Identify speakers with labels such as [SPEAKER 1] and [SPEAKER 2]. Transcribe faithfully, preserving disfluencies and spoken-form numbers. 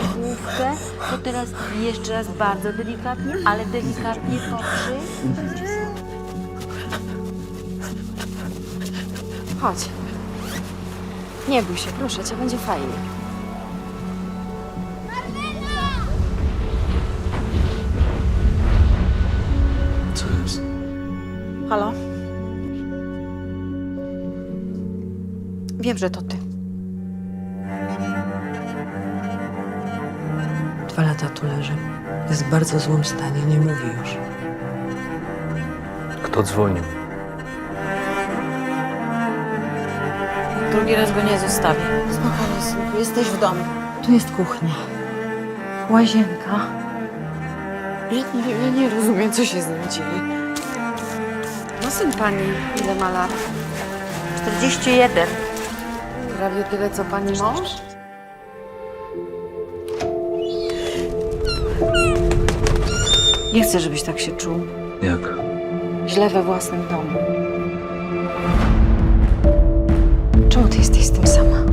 [SPEAKER 1] główkę, to teraz jeszcze raz bardzo delikatnie, ale delikatnie pokrzyj.
[SPEAKER 2] Chodź. Nie bój się, proszę cię, będzie fajnie.
[SPEAKER 3] Co jest?
[SPEAKER 2] Halo? Wiem, że to ty.
[SPEAKER 4] Dwa lata tu leży. Jest w bardzo złym stanie, nie mówi już.
[SPEAKER 3] Kto dzwonił?
[SPEAKER 2] Drugi raz go nie zostawię. Spokojnie, synku, jesteś w domu.
[SPEAKER 4] Tu jest kuchnia. Łazienka.
[SPEAKER 2] Ja nie, ja nie rozumiem, co się z nim dzieje. No syn pani, ile ma lat?
[SPEAKER 1] czterdzieści jeden.
[SPEAKER 2] Prawie tyle, co pani mąż? Nie chcę, żebyś tak się czuł.
[SPEAKER 3] Jak?
[SPEAKER 2] Źle we własnym domu. Czemu ty jesteś z tym sama?